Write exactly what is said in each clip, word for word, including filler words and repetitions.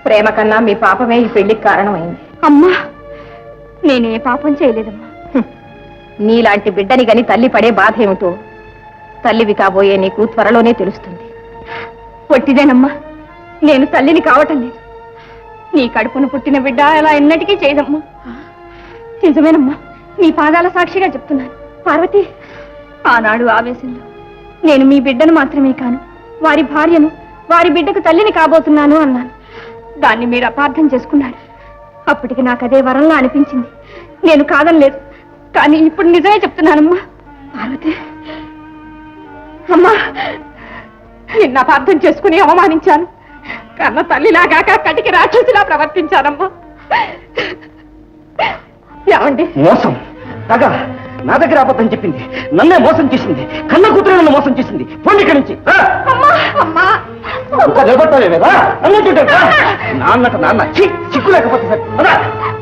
ప్రేమ కన్నా మీ పాపమే ఈ పెళ్లికి కారణమైంది. అమ్మా, నేనే పాపం చేయలేదమ్మా. నీలాంటి బిడ్డని గని తల్లి పడే బాధ ఏమిటో తల్లివి కాబోయే నీకు త్వరలోనే తెలుస్తుంది. పొట్టిదేనమ్మా, నేను తల్లిని కావటం లేదు. నీ కడుపును పుట్టిన బిడ్డ అలా ఎన్నటికీ చేయదమ్మా. నిజమేనమ్మా, నీ పాదాల సాక్షిగా చెప్తున్నాను. పార్వతి, ఆనాడు ఆవేశంలో నేను మీ బిడ్డను మాత్రమే కాను, వారి భార్యను, వారి బిడ్డకు తల్లిని కాబోతున్నాను అన్నాను. దాన్ని మీరు అపార్థం చేసుకున్నారు. అప్పటికి నాకు అదే వరంలా అనిపించింది. నేను కాదనలేదు, కానీ ఇప్పుడు నిజమే చెప్తున్నానమ్మా. పార్వతి, అమ్మా, నిన్న అపార్థం చేసుకుని అవమానించాను. కన్న తల్లిలాగాక కటికి రాక్షసిలా ప్రవర్తించానమ్మా. ఏమండి? మోసం, తగ నా దగ్గర అబద్ధం చెప్పింది, నన్నే మోసం చేసింది, కన్న కూతురు నన్ను మోసం చేసింది. పోండి ఇక్కడి నుంచి. నిలబట్టాలేదా నాన్నట నాన్న చిక్కు లేకపోతే సరే.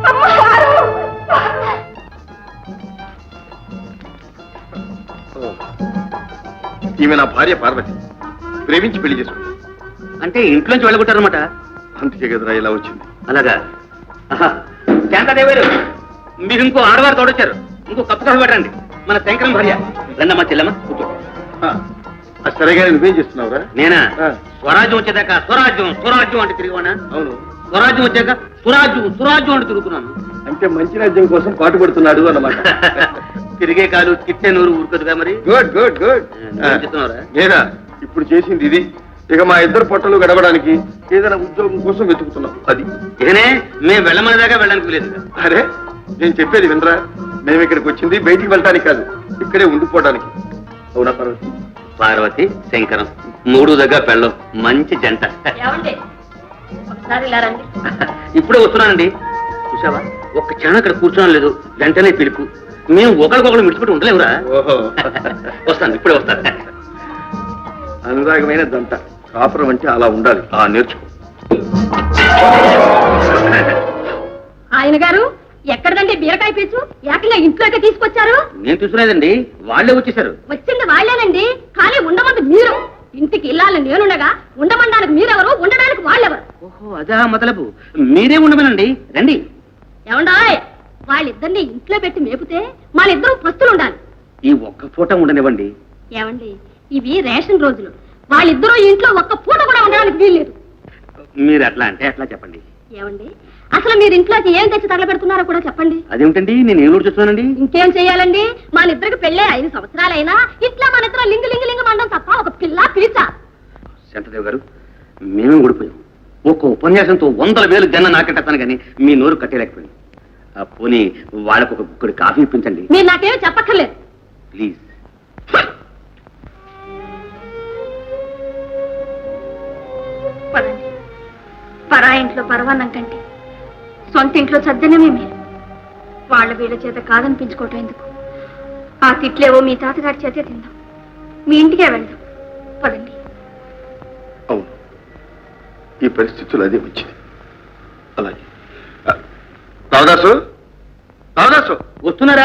ఈమె నా భార్య పార్వతి, ప్రేమించి పెళ్లి చేసుకుంది. అంటే ఇంట్లోంచి వెళ్ళగొట్టారనమాట. అందుకే కదరా ఇలా వచ్చింది. అలాగా? శాంతాదేవారు, మీరు ఇంకో ఆడవారు తోడొచ్చారు. ఇంకో కప్పు కాఫీ పెట్టండి. మన శంకరం భార్య. రండమ్మా చెల్లమ్మ, కూర్చో. సరేగా నువ్వేం చేస్తున్నావురా? నేనా? స్వరాజ్యం వచ్చేదాకా స్వరాజ్యం స్వరాజ్యం అంటే తిరిగివానా? అవును. స్వరాజ్యం వచ్చాక సురాజ్యం సురాజ్యం అంటే తిరుగుతున్నాను. అంటే మంచి రాజ్యం కోసం పాటుపడుతున్నాడు అన్నమాట. తిరిగే కాలు తిట్టే నూరు ఊరుకదుగా మరి. Good good good. చెప్తున్నారా? నేనా ఇప్పుడు చేసింది ఇది. ఇక మా ఇద్దరు పొట్టలు గడవడానికి ఏదైనా ఉద్యోగం కోసం వెతుకుతున్నాం. అది ఇకనే మేము వెళ్ళమని దాకా వెళ్ళడానికి లేదు. అరే, నేను చెప్పేది వినరా? మేము ఇక్కడికి వచ్చింది బయటికి వెళ్ళడానికి కాదు, ఇక్కడే ఉండిపోవడానికి. అవునా పార్వతి? పార్వతి శంకరం మూడు దగ్గర పెళ్ళం మంచి జంట. ఇప్పుడే వస్తున్నానండి. చూసావా, ఒక్క క్షణం అక్కడ కూర్చోడం లేదు, వెంటనే పిలుపు. మేము ఒకరికొకరు మిడిచిపెట్టి ఉండలేవురా. ఓహో, వస్తాను, ఇప్పుడే వస్తాను. అనురాగమైన దంట. కాపురం అంటే అలా ఉండాలి. ఆ నేర్చుకో. ఆయన గారు ఎక్కడదండి బీరకాయ పీచు? ఏకంగా ఇంట్లోకి తీసుకొచ్చారు? నేను తీసుకునేదండి, వాళ్ళే వచ్చేసారు. వచ్చింది వాళ్ళేనండి, కానీ ఉండమంది మీరు. ఇంటికి ఇల్లాలని నేనుండగా ఉండమనడానికి మీరెవరు, ఉండడానికి వాళ్ళెవరు? ఓహో, అదా మొదలపు. మీరే ఉండమనండి, రండి. ఏమండాయ్, వాళ్ళిద్దరిని ఇంట్లో పెట్టి మేపితే వాళ్ళిద్దరూ పస్తులు ఉండాలి. ఈ ఒక్క పూట ఉండనివ్వండి. ఏమండి, ఇవి రేషన్ రోజులు. వాళ్ళిద్దరూ ఇంట్లో ఒక్క పూట కూడా ఉండడానికి వీల్లేదు. మీరు అట్లా అంటే అట్లా చెప్పండి. ఏమండి, అసలు మీరు ఇంట్లోకి ఏం తెచ్చి తగలబెడుతున్నారో కూడా చెప్పండి. అదేమిటండి, నేను ఏం చూస్తున్నానండి? ఇంకేం చెయ్యాలండి, మన ఇద్దరికి పెళ్ళే ఐదు సంవత్సరాలైనా ఇట్లా మన ఇద్దరు లింగు లింగు లింగు మండం తప్ప ఒక పిల్ల పిలిచా. శాంతదేవ్ గారు, మేమే ఊడిపోయాం. ఒక్క ఉపన్యాసంతో వందల వేలు జన్న నాకెట్టాను కానీ మీ నోరు కట్టేయలేకపోయింది. పోనీ వాళ్ళకు ఒక గుక్కడి కాఫీ ఇప్పించండి. మీరు నాకేమీ చెప్పక్కర్లేదు, ప్లీజ్. పదండి. పరా ఇంట్లో పరవాన్నం కంటే సొంత ఇంట్లో సద్దనమే మీరు. వాళ్ళ వీళ్ళ చేత కాదనిపించుకోవటం ఎందుకు? ఆ తిట్లేవో మీ తాతగారి చేతే తిందాం, మీ ఇంటికే వెళ్దాం. పదండి. అవును, ఈ పరిస్థితులు అదే వచ్చింది. అలాగే. రావదాసు, రావదాసు వస్తున్నారా?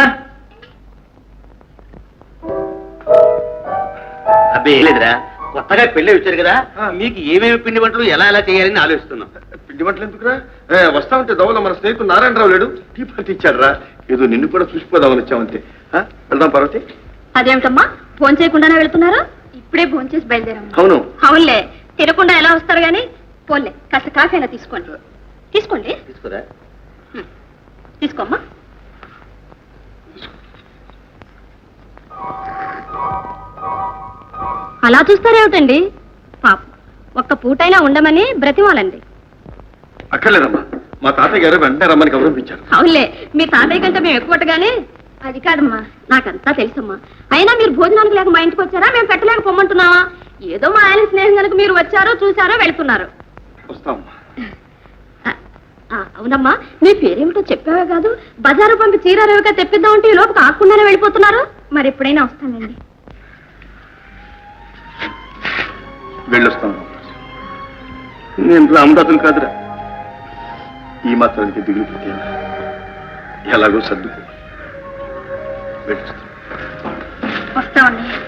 అబ్బే లేదురా, కొత్తగా పెళ్ళి వచ్చారు కదా, మీకు ఏమేమి పిండి వంటలు ఎలా ఎలా చేయాలని ఆలోచిస్తున్నాం. పిండి వంటలు ఎందుకురా? వస్తా ఉంటే దవల మన స్నేహితుడు నారాయణరావు లేడు, టీ పార్టీ ఇచ్చాడు రా. ఏదో నిన్ను కూడా చూసిపోదామని వచ్చామంతే. వెళ్దాం పార్వతి. అదేమిటమ్మా, ఫోన్ చేయకుండానే వెళ్తున్నారు? ఇప్పుడే ఫోన్ చేసి బయలుదేరాము. అవును. అవునులే, తినకుండా ఎలా వస్తారు గాని. పోన్లే, కాస్త కాఫీ అయినా తీసుకోండి. తీసుకోండి. తీసుకురా. తీసుకోమ్మా. అలా చూస్తారేమిటండి? పాప ఒక్క పూటైనా ఉండమని బ్రతిమాలండి. అక్కర్లేదమ్మా, మా తాతయ్య గారు వెంటనే రమ్మని గౌరవించారు. అవునులే, మీ తాతయ్య కంటే మేము ఎక్కువగానే. అది కాదమ్మా, నాకంతా తెలుసమ్మా. అయినా మీరు భోజనానికి లేక మా ఇంటికి వచ్చారా, మేము పెట్టలేక పొమ్మంటున్నావా? ఏదో మా ఆయన స్నేహం కనుక మీరు వచ్చారో చూసారో వెళ్తున్నారు. వస్తామమ్మా. అవునమ్మా, మీ పేరేమిటో చెప్పావే కాదు, బజారు పంపి చీరారేవిగా తెప్పిద్దామంటే ఈ లోపు కాకుండానే వెళ్ళిపోతున్నారు. మరి ఎప్పుడైనా వస్తానండి. వెళ్ళొస్తాను. నేను రామదాసులు కాదురా, ఈ మాత్రానికి దిగులు పెట్టాను. ఎలాగో సర్దుకో. వెళ్ళొస్తాను. వస్తామండి.